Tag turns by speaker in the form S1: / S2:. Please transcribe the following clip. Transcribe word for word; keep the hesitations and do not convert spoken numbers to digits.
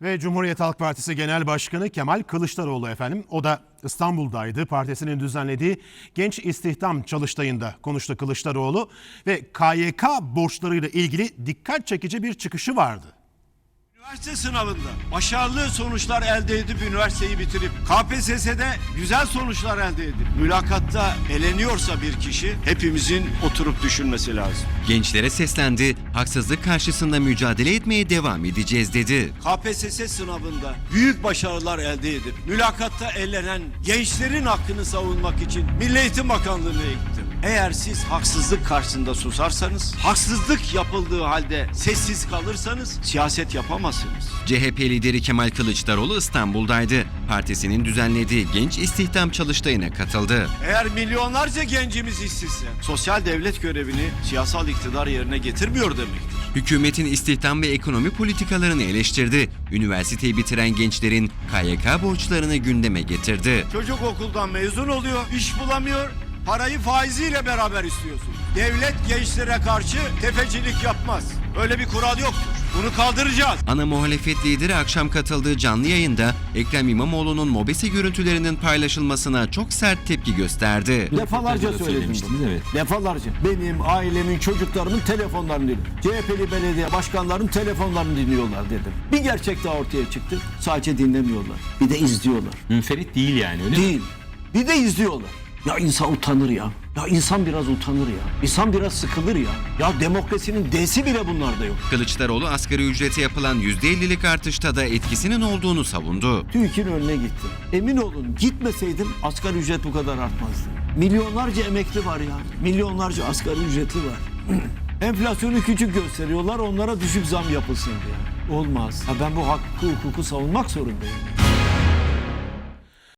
S1: Ve Cumhuriyet Halk Partisi Genel Başkanı Kemal Kılıçdaroğlu efendim. O da İstanbul'daydı. Partisinin düzenlediği Genç İstihdam Çalıştayı'nda konuştu Kılıçdaroğlu. Ve K Y K borçlarıyla ilgili dikkat çekici bir çıkışı vardı.
S2: Üniversite sınavında başarılı sonuçlar elde edip üniversiteyi bitirip K P S S'de güzel sonuçlar elde edip mülakatta eleniyorsa bir kişi hepimizin oturup düşünmesi lazım.
S3: Gençlere seslendi, haksızlık karşısında mücadele etmeye devam edeceğiz dedi.
S2: K P S S sınavında büyük başarılar elde edip mülakatta elenen gençlerin hakkını savunmak için Milli Eğitim Bakanlığı'na gittim. Eğer siz haksızlık karşısında susarsanız, haksızlık yapıldığı halde sessiz kalırsanız siyaset yapamazsınız.
S3: C H P lideri Kemal Kılıçdaroğlu İstanbul'daydı. Partisinin düzenlediği Genç İstihdam Çalıştayı'na katıldı.
S2: Eğer milyonlarca gencimiz işsizse, sosyal devlet görevini siyasal iktidar yerine getirmiyor demektir.
S3: Hükümetin istihdam ve ekonomi politikalarını eleştirdi. Üniversiteyi bitiren gençlerin K Y K borçlarını gündeme getirdi.
S2: Çocuk okuldan mezun oluyor, iş bulamıyor, parayı faiziyle beraber istiyorsun. Devlet gençlere karşı tefecilik yapmaz. Öyle bir kural yoktur. Bunu kaldıracağız.
S3: Ana muhalefet lideri akşam katıldığı canlı yayında Ekrem İmamoğlu'nun mobese görüntülerinin paylaşılmasına çok sert tepki gösterdi.
S4: Defalarca söyledim bunu. Evet. Defalarca. Benim, ailemin, çocuklarımın telefonlarını dinliyorum. C H P'li belediye başkanlarının telefonlarını dinliyorlar dedim. Bir gerçek daha ortaya çıktı. Sadece dinlemiyorlar. Bir de izliyorlar.
S5: Münferit değil yani öyle mi?
S4: Değil. Bir de izliyorlar. Ya insan utanır ya. Ya insan biraz utanır ya. İnsan biraz sıkılır ya. Ya demokrasinin D'si bile bunlarda yok.
S3: Kılıçdaroğlu asgari ücrete yapılan yüzde ellilik artışta da etkisinin olduğunu savundu.
S4: TÜİK'in önüne gittim. Emin olun gitmeseydim asgari ücret bu kadar artmazdı. Milyonlarca emekli var ya. Milyonlarca asgari ücretli var. Enflasyonu küçük gösteriyorlar, onlara düşük zam yapılsın diye. Olmaz. Ha ben bu hakkı hukuku savunmak zorundayım.